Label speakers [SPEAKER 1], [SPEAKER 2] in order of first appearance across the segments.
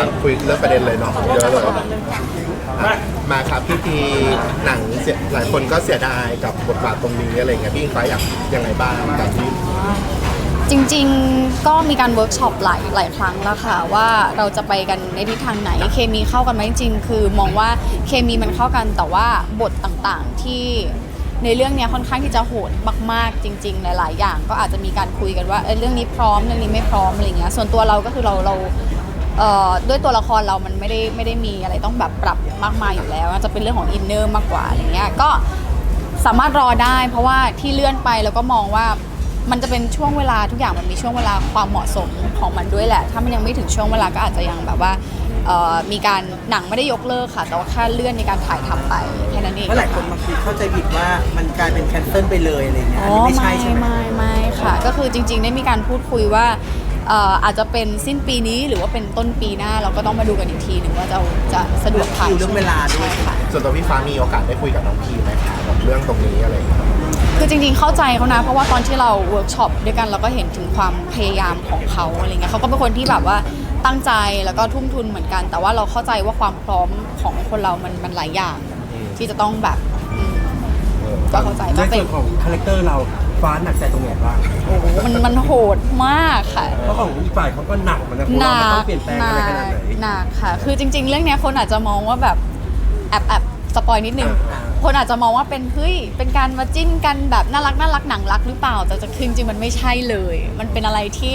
[SPEAKER 1] คุยเรื่องประเด็นเลยเนาะเยอะเลยมาครับพี่พีหนังหลายคนก็เสียดายกับบทบาทตรงนี้อะไรเงี้ยพี่อิงฟ้าอยากยังไงบ้างกับที่
[SPEAKER 2] จริงๆก็มีการเวิร์กช็อปหลายครั้งแล้วค่ะว่าเราจะไปกันในทิศทางไหนเคมีเข้ากันไหมจริงๆคือมองว่าเคมีมันเข้ากันแต่ว่าบทต่างๆที่ในเรื่องนี้ค่อนข้างที่จะโหดมากๆจริงๆหลายๆอย่างก็อาจจะมีการคุยกันว่าเรื่องนี้พร้อมเรื่องนี้ไม่พร้อมอะไรเงี้ยส่วนตัวเราก็คือเราด้วยตัวละครเรามันไม่ได้มีอะไรต้องแบบปรับมากมายอยู่แล้วจะเป็นเรื่องของอินเนอร์มากกว่าอะไรเงี้ยก็สามารถรอได้เพราะว่าที่เลื่อนไปแล้วก็มองว่ามันจะเป็นช่วงเวลาทุกอย่างมันมีช่วงเวลาความเหมาะสมของมันด้วยแหละถ้ามันยังไม่ถึงช่วงเวลาก็อาจจะยังแบบว่ามีการหนังไม่ได้ยกเลิกค่ะแต่ว่าแค่เลื่อนในการถ่ายทำไปแค่นั้นเอง
[SPEAKER 3] เพราะหลายคนบางทีเข้าใจผิดว่ามันกลายเป็นแคนเซิลไปเลยอะไรเงี้ยอันนี้ไม่ใช่ใช่ไหม
[SPEAKER 2] ไม่ค่ะก็คือจริงๆได้มีการพูดคุยว่าอาจจะเป็นสิ้นปีนี้หรือว่าเป็นต้นปีหน้าเราก็ต้องมาดูกันอีกทีหนึ่งว่าจะสะดวกถ่าย
[SPEAKER 3] เรื่องเวลาด้วย
[SPEAKER 2] ค่ะ
[SPEAKER 1] ส่วนตัวพี่ฟ้ามีโอกาสได้คุยกับน้องพีไหมคะกับเรื่องตรงนี้อะไรอย่างเงี้ย
[SPEAKER 2] คือจริงๆเข้าใจเขานะเพราะว่าตอนที่เราเวิร์กช็อปด้วยกันเราก็เห็นถึงความพยายามของเขาอะไรเงี้ยเขาก็เป็นคนที่แบบว่าตั้งใจแล้วก็ทุ่มทุนเหมือนกัน แต่ว่าเราเข้าใจว่าความพร้อมของคนเรามันหลายอย่างที่จะต้องแบบก็เข้าใจ
[SPEAKER 4] ในส่วนของคาแรคเตอร์เราฟ้าหนักใจตรงไหนบ้าง
[SPEAKER 2] โอ้โหมันโหดมากค่ะ
[SPEAKER 4] เพราะของอีกฝ่ายเขาก็หนักเหมือนกันเพราะว่ามันต้องเปลี่ยนแปลงอะไรขนาดไหน
[SPEAKER 2] หนักค่ะคือจริงๆเรื่องนี้คนอาจจะมองว่าแบบแอบสปอยนิดนึงคนอาจจะมองว่าเป็นเป็นการมาจิ้นกันแบบน่ารักหนังรักหรือเปล่าแต่จริงๆมันไม่ใช่เลยมันเป็นอะไรที่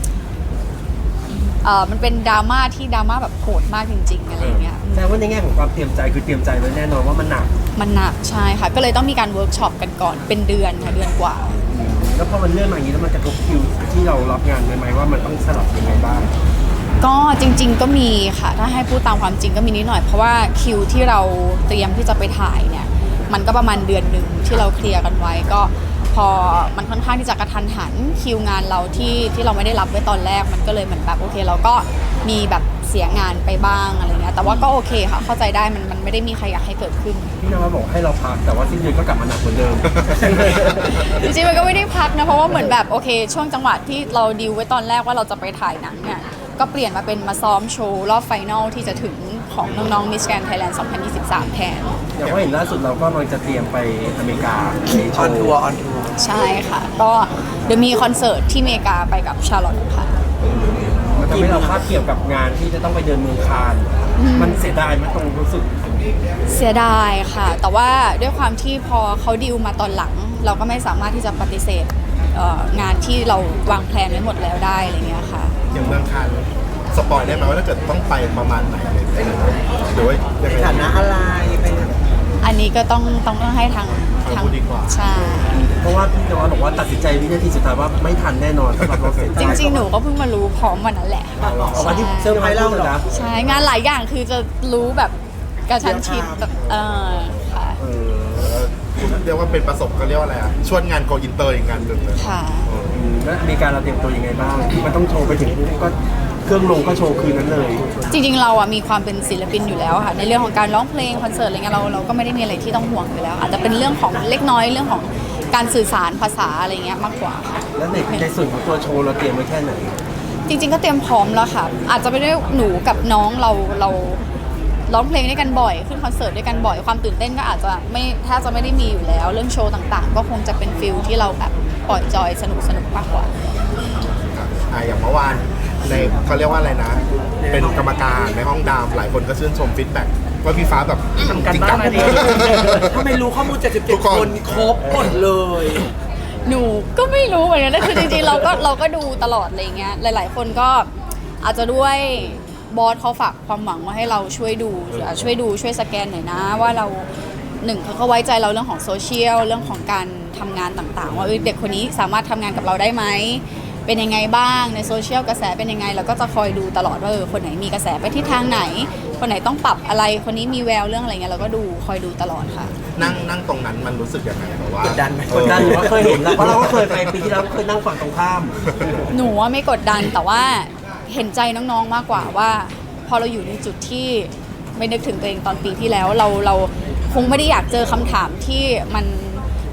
[SPEAKER 2] มันเป็นดราม่าที่ดราม่าแบบโหดมากจริงๆอะไรเงี้ย
[SPEAKER 4] แต่ว่าในแง่ของความเตรียมใจคือเตรียมใจไว้แน่นอนว่ามันหนัก
[SPEAKER 2] ใช่ค่ะก็เลยต้องมีการเวิร์กช็อปกันก่อนเป็นเดือนค่ะเดือนกว่า
[SPEAKER 4] แล้วพอมันเลื่อนมาอย่างนี้แล้วมันจะกระทบคิวที่เรารับงานไหมว่ามันต้องสลับยังไงบ้าง
[SPEAKER 2] ก็จริงๆก็มีค่ะถ้าให้พูดตามความจริงก็มีนิดหน่อยเพราะว่าคิวที่เราเตรียมที่จะไปถ่ายเนี่ยมันก็ประมาณเดือนหนึ่งที่เราเคลียร์กันไว้ก็พอมันค่อนข้างที่จะกระทันหันคิวงานเราที่เราไม่ได้รับไว้ตอนแรกมันก็เลยเหมือนแบบโอเคเราก็มีแบบเสียงานไปบ้างอะไรเงี้ยแต่ว่าก็โอเคค่ะเข้าใจได้มันไม่ได้มีใครอยากให้เกิดขึ้น
[SPEAKER 4] พี่นวัดบอกให้เราพักแต่ว่าสิ้นเดือนก็กลับมาหนักเหมือนเดิม
[SPEAKER 2] จริงๆมันก็ไม่ได้พักนะเพราะว่าเหมือนแบบโอเคช่วงจังหวะที่เราดีลไว้ตอนแรกว่าเราจะไปถ่ายหนังเนี่ยก็เปลี่ยนมาเป็นมาซ้อมโชว์รอบไฟนอลที่จะถึงของน้องๆ Miss Grand Thailand 2023 แทน
[SPEAKER 4] อย่างว่าเห็นล่าสุดเราก็กำลังจะเตรียมไปอเมริกา
[SPEAKER 3] ออนทัวร์
[SPEAKER 2] ใช่ค่ะก็เดี๋ยวมีคอนเสิร์ตที่อเมริกาไปกับชาร์ลอตค่ะ
[SPEAKER 4] มันทำให้เราคาดเกี่ยวกับงานที่จะต้องไปเดินเมืองคานมันเสียดายไหมตรงรู้สึก
[SPEAKER 2] เสียดายค่ะแต่ว่าด้วยความที่พอเขาดีลมาตอนหลังเราก็ไม่สามารถที่จะปฏิเสธงานที่เราวางแผนไว้หมดแล้วได้อะไรเงี้ยค่ะ
[SPEAKER 1] อย่างเมืองคานสปอยได้ไหมว่าถ้าเกิดต้องไปประมาณไหนอะไรอย่างเงี้ยหรือว่ายังไง
[SPEAKER 3] ฐานะอะไรเป็น
[SPEAKER 2] อันนี้ก็ต้องให้ทาง
[SPEAKER 1] ดีกว่า
[SPEAKER 2] ใช่
[SPEAKER 4] เพราะว่าพี่นวัดบอกว่าตัดสินใจวินาทีสุดท้ายว่าไม่ทันแน่นอนสำหรับเราเสร็จ
[SPEAKER 2] จริงๆหนูก็เพิ่งมารู้พร้อมวันนั้นแหละ
[SPEAKER 4] วันที่เซอร์ไพรส์เล่าเหรอ
[SPEAKER 2] ใช่งานหลายอย่างคือจะรู้แบบกระชั้นชิดแบบค่ะ
[SPEAKER 1] เรียกว่าเป็นประสบก็เรียกว่าอะไรชวนงานโกอินเตอร์อีกงานหนึ่งเลย
[SPEAKER 2] ค่ะ
[SPEAKER 4] แล้วมีการเราเตรียมตัวยังไงบ้างมันต้องโชว์ไปถึงก็เครื่องลงก็โชว์คืนนั้นเลย
[SPEAKER 2] จริงๆเรามีความเป็นศิลปินอยู่แล้วค่ะในเรื่องของการร้องเพลงคอนเสิร์ตอะไรเงี้ยเราก็ไม่ได้มีอะไรที่ต้องห่วงอยู่แล้วอาจจะเป็นเรื่องของเล็กน้อยเรื่องของการสื่อสารภาษาอะไรเงี้ยมากกว่าค่ะ
[SPEAKER 4] แล้วในส่วนของตัวโชว์เราเตรียมไว้แค่ไหน
[SPEAKER 2] จริงๆก็เตรียมพร้อมแล้วค่ะอาจจะไม่ได้หนูกับน้องเราร้องเพลงด้วยกันบ่อยขึ้นคอนเสิร์ตด้วยกันบ่อยความตื่นเต้นก็อาจจะไม่แทบจะไม่ได้มีอยู่แล้วเรื่องโชว์ต่างๆก็คงจะเป็นฟิลที่เราแบบปล่อยจอยสนุกมากกว่า
[SPEAKER 1] อย่างเมื่อวานในเขาเรียกว่าอะไรนะเป็นกรรมการในห้องดามหลายคนก็ชื่นชมฟีดแบ็กว่าพี่ฟ้าแบบ
[SPEAKER 4] ทำกันบ้านมาดี
[SPEAKER 3] ทำไมรู้ข้อมูล77คนครบหมดเลย
[SPEAKER 2] หนูก็ไม่รู้เหมือนกันนะคือจริงๆเราก็ดูตลอดอะไรเงี้ยหลายๆคนก็อาจจะด้วยบอสเขาฝากความหวังมาให้เราช่วยสแกนหน่อยนะว่าเราหนึ่งเขาไว้ใจเราเรื่องของโซเชียลเรื่องของการทำงานต่างๆว่าเด็กคนนี้สามารถทำงานกับเราได้ไหมเป็นยังไงบ้างในโซเชียลกระแสเป็นยังไงเราก็จะคอยดูตลอดว่าคนไหนมีกระแสไปที่ทางไหนคนไหนต้องปรับอะไรคนนี้มีแววเรื่องอะไรเงี้ยเราก็คอยดูตลอดค่ะ
[SPEAKER 1] นั่งตรงนั้นมันรู้สึกยังไงแบบว่าก
[SPEAKER 3] ดดันไหม
[SPEAKER 4] กดดันหรือว่าเคยเห็นแล้วเพราะเราก็เคยไปปีที่แล้วเคยนั่งฝั่งตรงข้าม
[SPEAKER 2] หนูว่าไม่กดดันแต่ว่าเห็นใจน้องๆมากกว่าว่าพอเราอยู่ในจุดที่ไม่นึกถึงตัวเองตอนปีที่แล้วเราคงไม่ได้อยากเจอคำถามที่มันโ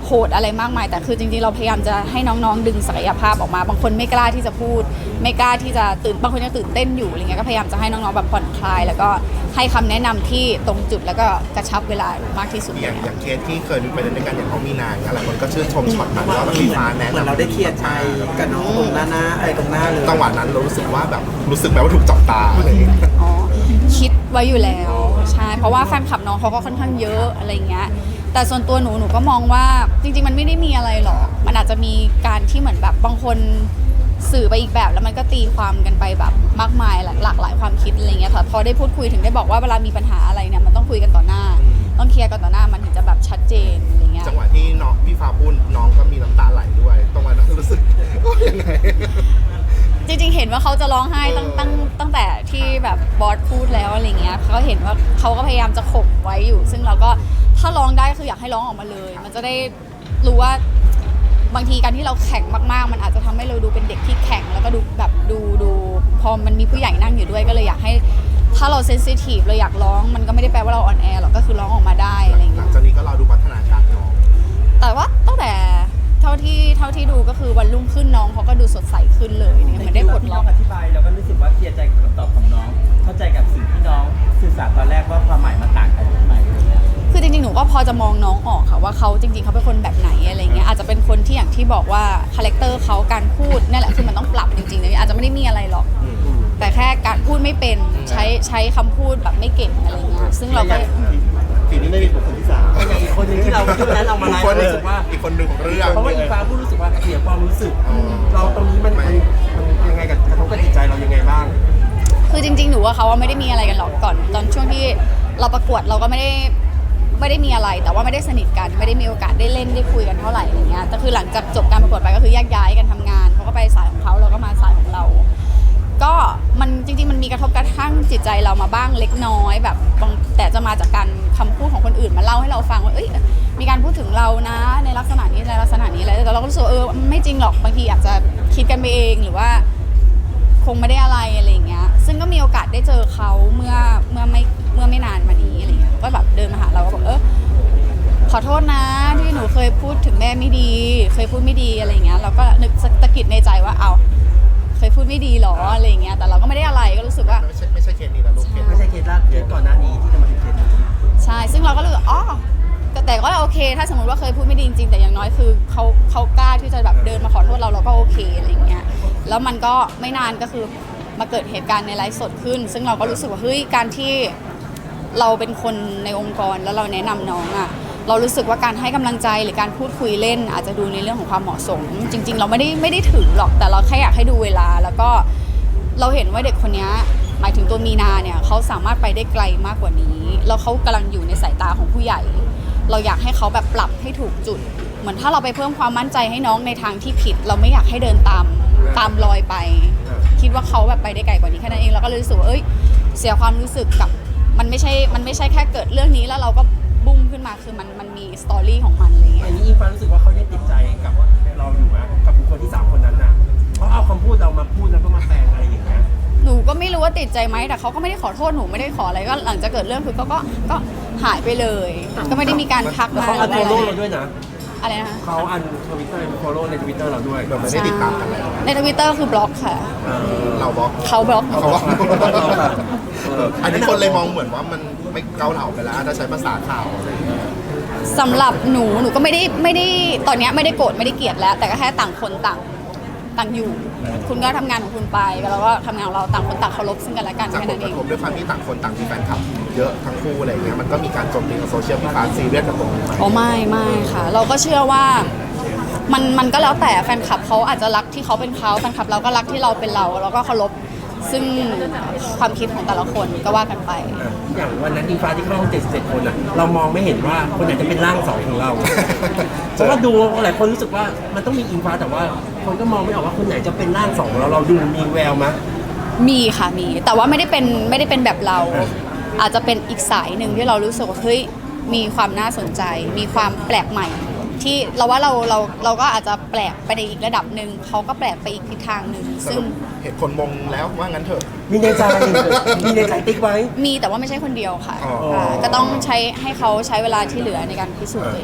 [SPEAKER 2] โหดอะไรมากมายแต่คือจริงๆเราพยายามจะให้น้องๆดึงศักยภาพออกมาบางคนไม่กล้าที่จะพูดไม่กล้าที่จะบางคนยังตื่นเต้นอยู่อะไรเงี้ยก็พยายามจะให้น้องๆแบบผ่อนคลายแล้วก็ให้คำแนะนำที่ตรงจุดแล้วก็กระชับเวลามากที่สุด
[SPEAKER 1] อย่างเคสที่เคยไปเล่นด้วยกันอย่างเขามีนางหลายคนก็ชื่นชมช็อตนั้นว่าพี่ฟ้าแนะ
[SPEAKER 3] เหมือน
[SPEAKER 1] นำ
[SPEAKER 3] เราได้เคลียร์ใจกับน้องตรงหน้าตรงหน้าเลย
[SPEAKER 1] จังหวะนั้นเรารู้สึกว่าแบบรู้สึกแบบว่าถูกจับตาอะไรอย่างเงี้ย
[SPEAKER 2] อ๋อคิดไว้อยู่แล้วใช่เพราะว่าแฟนคลับน้องเขาก็ค่อนข้างเยอะอะไรเงี้ยแต่ส่วนตัวหนูก็มองว่าจริงๆมันไม่ได้มีอะไรหรอกมันอาจจะมีการที่เหมือนแบบบางคนสื่อไปอีกแบบแล้วมันก็ตีความกันไปแบบมากมายหลากหลายความคิดอะไรเงี้ยค่ะพอได้พูดคุยถึงได้บอกว่าเวลามีปัญหาอะไรเนี่ยมันต้องคุยกันต่อหน้าต้องเคลียร์กันต่อหน้ามันถึงจะแบบชัดเจนอะไรเงี้ย
[SPEAKER 1] จังหวะที่น้องพี่ฟ้าพูดน้องก็มีน้ำตาไหลด้วยตรงวันนั้นรู้สึกยังไง
[SPEAKER 2] จริงๆเห็นว่าเขาจะร้องไห้ตั้งแต่ที่แบบบอสพูดแล้วอะไรเงี้ยเขาเห็นว่าเขาก็พยายามจะข่มไว้อยู่ ซึ่งเราก็ถ้าร้องได้คืออยากให้ร้องออกมาเลย มันจะได้รู้ว่าบางทีการที่เราแข็งมากๆมันอาจจะทำให้เราดูเป็นเด็กที่แข็งแล้วก็ดูแบบดูพอมันมีผู้ใหญ่นั่งอยู่ด้วยก็เลยอยากให้ถ้าเราเซนซิทีฟเราอยากร้องมันก็ไม่ได้แปลว่าเราอ่อนแอหรอกก็คือร้องออกมาได้อะไร
[SPEAKER 1] หลั
[SPEAKER 2] เงี้
[SPEAKER 1] ง
[SPEAKER 2] ย
[SPEAKER 1] จากนี้ก็รอดูพัฒนาการน้อง
[SPEAKER 2] แต่ว่าตั้งแต่เท่าที่ดูก็คือวันรุ่งขึ้นน้องเขาก็ดูสดใสขึ้นเลยเนี่ยเหมือนได้ปลด
[SPEAKER 5] ที่
[SPEAKER 2] ล็
[SPEAKER 5] น้
[SPEAKER 2] อ
[SPEAKER 5] อก งอธิบายเราก็รู้สึกว่าเคลียร์ใจกับคำตอบของน้อง เข้าใจกับสิ่งที่น้องสื่อสารตอนแรกว่าความหมายมันต่างกันทำไมอะไรเงี้ย
[SPEAKER 2] คือจริงๆ หนูก็พอจะมองน้องออกค่ะว่าเขาจริงๆ เขาเป็นคนแบบไหนอะไรเงี้ยอาจจะเป็นคนที่อย่างที่บอกว่าคาแรคเตอร์เขาการพูดนี่แหละคือมันต้องปรับจริงๆเลยอาจจะไม่ได้มีอะไรหรอก แต่แค่การพูดไม่เป็นใช้คำพูดแบบไม่เก่งอะไรเงี้ยซึ่งเราก็
[SPEAKER 1] ทีนี้ไม่มีบุคคลที่สาม
[SPEAKER 5] อย่างอีกคนหนึ่งที่เราที่วันนั้นเรามา
[SPEAKER 1] อี
[SPEAKER 5] ไล
[SPEAKER 1] ก
[SPEAKER 5] ฟ์
[SPEAKER 1] คนหนึ่ง
[SPEAKER 5] รู้สึกว่า
[SPEAKER 1] อีกคนหนึ่งของเรื่อง
[SPEAKER 5] เพราะว่าอีฟ้าพูดรู้สึกว่าเสียความรู้สึก เราตรงนี้มันยังไงกับกระทบกับจิตใจเรายังไงบ้าง
[SPEAKER 2] คือจริงๆ หนูว่าเขาว่าไม่ได้มีอะไรกันหรอกก่อนตอนช่วงที่เราประกวดเราก็ไม่ได้มีอะไรแต่ว่าไม่ได้สนิทกันไม่ได้มีโอกาสได้เล่นได้คุยกันเท่าไหร่อะไรเงี้ยแต่คือหลังจากจบการประกวดไปก็คือแยกย้ายกันทำงานเขาก็ไปสายของเขาเราก็มาสายของเรา ก็มันจริงๆมันมีกระทบกระทั่งจิตใจเรามาบ้างเล็กน้อยแบบแต่จะมาจากการคำพูดของคนอื่นมาเล่าให้เราฟังว่าเอ้ยมีการพูดถึงเรานะในลักษณะนี้ในลักษณะนี้อะไรแต่เราก็รู้สึกไม่จริงหรอกบางทีอาจจะคิดกันไปเองหรือว่าคงไม่ได้อะไรอย่างเงี้ยซึ่งก็มีโอกาสได้เจอเขาเมื่อไม่นานมานี้อะไรเงี้ยก็แบบเดินมาหาเราก็บอกขอโทษนะที่หนูเคยพูดถึงแม่ไม่ดีเคยพูดไม่ดีอะไรเงี้ยเราก็นึกตะกิดในใจว่าเคยพูดไม่ดีหรออะไรเงี้ยแต่เราก็ไม่ได้อะไรก็รู้สึกว่า
[SPEAKER 1] ไม่ใช่เคสนี้นะลูกเคส
[SPEAKER 5] ไม่ใช่เคสแรกเคสก่อนหน้านี้ที่จะมาถึงเคสนี้
[SPEAKER 2] ใช่ซึ่งเราก็เลยแต่ก็โอเค ถ้าสมมติว่าเคยพูดไม่ดีจริงๆแต่อย่างน้อยคือเขากล้าที่จะแบบเดินมาขอโทษเราก็โอเคอะไรเงี้ยแล้วมันก็ไม่นานก็คือมาเกิดเหตุการณ์ในไลฟ์สดขึ้น ซึ่งเราก็รู้สึกว่าเฮ้ยการที่เราเป็นคนในองค์กรแล้วเราแนะนำน้องอ่ะเรารู้สึกว่าการให้กำลังใจหรือการพูดคุยเล่นอาจจะดูในเรื่องของความเหมาะสม จริงๆเราไม่ได้ถือหรอกแต่เราแค่อยากให้ดูเวลาแล้วก็เราเห็นว่าเด็กคนนี้หมายถึงตัวมีนาเนี่ยเขาสามารถไปได้ไกลมากกว่านี้แล้วเขากำลังอยู่ในสายตาของผู้ใหญ่เราอยากให้เขาแบบปรับให้ถูกจุดเหมือนถ้าเราไปเพิ่มความมั่นใจให้น้องในทางที่ผิดเราไม่อยากให้เดินตามรอยไปคิดว่าเขาแบบไปได้ไกลกว่านี้แค่นั้นเองเราก็เลยรู้สึกว่าเสียความรู้สึกกับมันไม่ใช่แค่เกิดเรื่องนี้แล้วเราก็บุ้มขึ้นมาคือมันมีสตอรี่ของมันอะไร
[SPEAKER 5] อั
[SPEAKER 2] เงี้
[SPEAKER 5] น
[SPEAKER 2] ย
[SPEAKER 5] นี้อีฟ้ารู้สึกว่าเขายังติดใจกับเราอยู่ไหมกับบุคคลที่3คนนั้นน่ะเขาเอาคำพูดเรามาพูดแล้วก็มาแปลงอะไรอย่างเงี้ย
[SPEAKER 2] หนูก็ไม่รู้ว่าติดใจไหมแต่เขาก็ไม่ได้ขอโทษหนูไม่ได้ขออะไรก็หลังจากเกิดเรื่องคือก็หายไปเลย ก็ไม่ได้มีการทัก
[SPEAKER 5] แล้ว
[SPEAKER 2] มา
[SPEAKER 5] เขาอัน
[SPEAKER 2] ห
[SPEAKER 5] โฟ
[SPEAKER 2] รือ
[SPEAKER 5] โล่
[SPEAKER 2] อะไร
[SPEAKER 5] เราด้วยนะ
[SPEAKER 2] อะไรนะคะ
[SPEAKER 5] เขาอันทวิตเตอร์โฟโล่ในทวิตเตอร์เราด้วย
[SPEAKER 1] แบบไม่ได้ติดตามกันแล้ว
[SPEAKER 2] ในทวิตเตอร์คือบล็อกค่ะ
[SPEAKER 1] เราบอก
[SPEAKER 2] เขาบล็อก
[SPEAKER 1] เขาบอกอันนี้คนเลยมองเหมือนว่ามันไม่เกาเหลาไปแล้วถ้าใช้ภาษาข่าวอะไรอย่างเงี้ย
[SPEAKER 2] สำหรับหนูก็ไม่ได้ตอนเนี้ยไม่ได้โกรธไม่ได้เกลียดแล้ว แต่ก็แค่ต่างคนต่างอยู่ คุณก็ทำงานของคุณไปแล้วก็ทำงานของเราต่างคนต่างเคารพซึ่งกันและกัน
[SPEAKER 1] จาก
[SPEAKER 2] แค่
[SPEAKER 1] ผล
[SPEAKER 2] นั้น
[SPEAKER 1] ก
[SPEAKER 2] เอ
[SPEAKER 1] ระ
[SPEAKER 2] ง
[SPEAKER 1] ทบด้วยความที่ต่างคนต่างมีแฟนคลับเยอะทั้งคู่อะไรอย่างเงี้ยมันก็มีการโจมตีกับโซเชียลพี่ฟ้าซีเรียสกับตรงนี้ไหม
[SPEAKER 2] อ๋อไม่ค่ะ เราก็เชื่อว่ามันก็แล้วแต่แฟนคลับเขาอาจจะรักที่เขาเป็นเขาแฟนคลับเราก็รักที่เราเป็นเราแล้วก็เคารพซึ่งความคิดของแต่ละคนก็ว่ากันไป
[SPEAKER 5] อย่างวันนั้นอีฟ้าที่เข้าห้อง77 คนอ่ะเรามองไม่เห็นว่าคนไหนจะเป็นร่าง2ของเรา เพราะว่าดูหลายคนรู้สึกว่ามันต้องมีอิงฟ้าแต่ว่าคนก็มองไม่ออกว่าคนไหนจะเป็นร่าง2ของเราเราดูมีแววมั้ย
[SPEAKER 2] มีค่ะมีแต่ว่าไม่ได้เป็นแบบเรา อาจจะเป็นอีกสายหนึ่งที่เรารู้สึกว่าเฮ้ยมีความน่าสนใจ มีความแปลกใหม่ ที่เราว่าเราก็อาจจะแปลกไปในอีกระดับหนึ่งเขาก็แปลกไปอีกทิศทางหนึ่ง
[SPEAKER 1] ส
[SPEAKER 2] ซึ่
[SPEAKER 1] รุ
[SPEAKER 2] ง
[SPEAKER 1] ปเห็นคนมงแล้วว่างั้นเถอะ
[SPEAKER 5] มีในใจติ๊กไว้
[SPEAKER 2] มีแต่ว่าไม่ใช่คนเดียวค่ะ
[SPEAKER 1] อ๋อ
[SPEAKER 2] ก็ต้องให้เขาใช้เวลาที่เหลือในการพิสูจน์ตัวเอง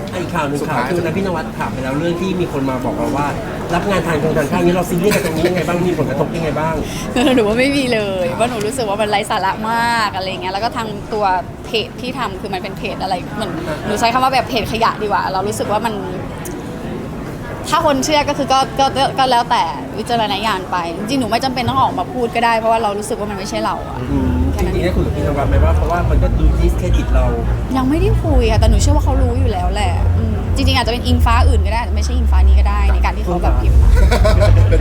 [SPEAKER 5] อีกข่าวหนึ่งข่าวคือวันนั้นพี่นวัดถามไปแล้วเรื่องที่มีคนมาบอกเราว่า รับงานทางข้างนี้เราซีเรียสกับตรงนี้ยังไงบ้างมีผลกระทบยังไงบ้าง
[SPEAKER 2] หนูว่าไม่มีเลยว่าหนูรู้สึกว่ามันไร้สาระมากอะไรเงี้ยแล้วก็ทางตัวเพจที่ทำคือมันเป็นเพจอะไรเหมือนหนูใช้คำว่าแบบเพจขยะดีกว่า เรารู้สึกว่ามัน ถ้าคนเชื่อก็คือก็แล้วแต่วิจารณญาณไปจริงๆหนูไม่จำเป็นต้องออกมาพูดก็ได้เพราะว่าเรารู้สึกว่ามันไม่ใช่เราอะ
[SPEAKER 5] จริงๆได้คุยกับพี่นวัดไหมว่าเพราะว่ามันก็ดูดิสเครดิตเรา
[SPEAKER 2] ยังไม่ได้คุยค่ะแต่หนูเชื่อว่าเขารู้อยู่แล้วแหละจริงๆอาจจะเป็นอิงฟ้าอื่นก็ได้อาจจะไม่ใช่อิงฟ้านี้ก็ได้ในการที่เขาแบบพิมพ์มา
[SPEAKER 1] เป็น